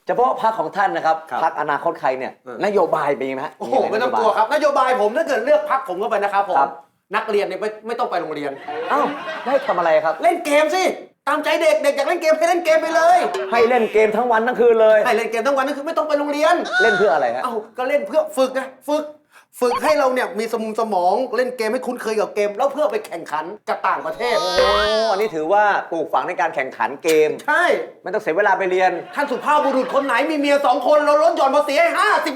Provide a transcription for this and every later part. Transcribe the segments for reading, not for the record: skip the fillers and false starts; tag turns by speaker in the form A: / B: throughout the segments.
A: เฉพาะพรรคของท่านนะครับพรรคอนาคตใครเนี่ยนโยบายเป็นยังไงฮะ
B: โอ้โหไม่ต้องกลัวครับนโยบายผมถ้าเกิดเลือกพรรคผมเข้าไปนะครับผมนักเรียนเนี่ยไม่ต้องไปโรงเรียน
A: อ้าวได้ทำอะไรครับ
B: เล่นเกมสิตามใจเด็กอยากเล่นเกมให้เล่นเกมไปเลย
A: ให้เล่นเกมทั้งวันทั้งคืนเลย
B: ให้เล่นเกมทั้งวันนั่นคือไม่ต้องไปโรงเรียน
A: เล่นเพื่ออะไรฮะ
B: เอ้าก็เล่นเพื่อฝึกไงฝึกให้เราเนี่ยมีสมองเล่นเกมให้คุ้นเคยกับเกมแล้วเพื่อไปแข่งขันกับต่างประเทศ
A: โอ้อันนี้ถือว่าปลูกฝังในการแข่งขันเกม
B: ใช่
A: ไม่ต้องเสียเวลาไปเรียน
B: ท่านสุภาพบุรุษคนไหนมีเมีย2 คนเราลดหย่อนภาษีให้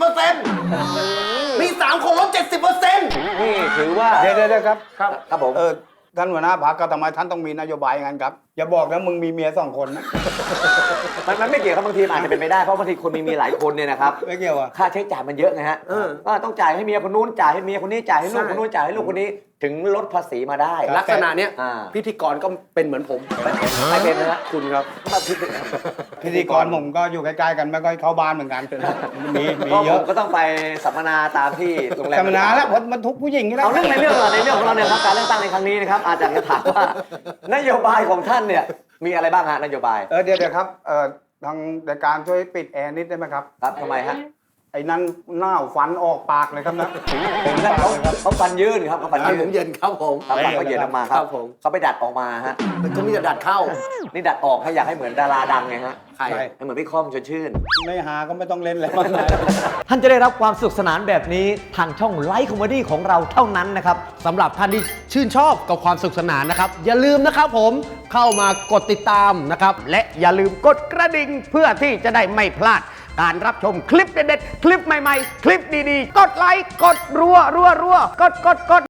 B: 50%มี3 คนลด 70%
A: นี่ถือว่า
C: เดี๋ยวครับ
A: ครับผม
C: ท่านหัวหน้าพรรคก็ทำไมท่านต้องมีนโยบายอย่างนั้นครับอย่าบอกนะมึงมีเมีย2 คนนะ
A: มันไม่เกี่ยวครับบางทีอาจจะเป็นไปได้เพราะบางทีคนมีหลายคนเนี่ยนะครับ
C: ไม่เกี่ยวอ่ะ
A: ค่าใช้จ่ายมันเยอะไงฮะก็ต้องจ่ายให้เมียคนนู้นจ่ายให้เมียคนนี้จ่ายให้ลูกคนนู้นจ่ายให้ลูกคนนี้ถึงลดภาษีมาได้
B: ลักษณะเนี้ยพิธีกรก็เป็นเหมือนผม
A: ไม่เป็นนะฮะ
B: คุณครับ
C: พิธีกรผมก็อยู่ใกล้ๆกันไม่ค่อยเข้าบ้านเหมือนกันมีเยอะ
A: ก็ต้องไปสัมมนาตามที่โรงแรม
C: สัมมนาแล้วมันทุกผู้หญิงนี่แหละ
A: เอาเรื่องในเรื่องของเราเนี่ยครับการเลือกตั้งในครั้งนี้นะครับอาจารย์จะถามว่านโยบายของท่านเนี่ยมีอะไรบ้างฮะนโยบาย
C: เดี๋ยวครับทางรายการช่วยปิดแอร์นิดได้ไหมครับ
A: ครับทำไมฮะ
C: ไอ้นั่นหน้าฟันออกปากเลยครับนะ
A: ผมนั่นเขาฟันยื่นครับเขาฟัน
B: เย็นครับผม
A: ฟันเขาเย็นออกมาครับเขาไปดัดออกมาฮะ
B: ก็มีแต่ดัดเข้า
A: นี่ดัดออกให้อยากให้เหมือนดาราดังไงฮะ
B: ใคร
A: ให้เหมือนพี่ค่อมชวนชื่น
C: ไม่หาก็ไม่ต้องเล่นแล้ว
A: ท่านจะได้รับความสนุกสนานแบบนี้ทางช่องไลฟ์คอมเมดี้ของเราเท่านั้นนะครับ
B: สำหรับท่านที่ชื่นชอบกับความสนุกสนานนะครับอย่าลืมนะครับผมเข้ามากดติดตามนะครับและอย่าลืมกดกระดิ่งเพื่อที่จะได้ไม่พลาดการรับชมคลิปเด็ดๆคลิปใหม่ๆคลิปดีๆกดไลค์กดรัวกด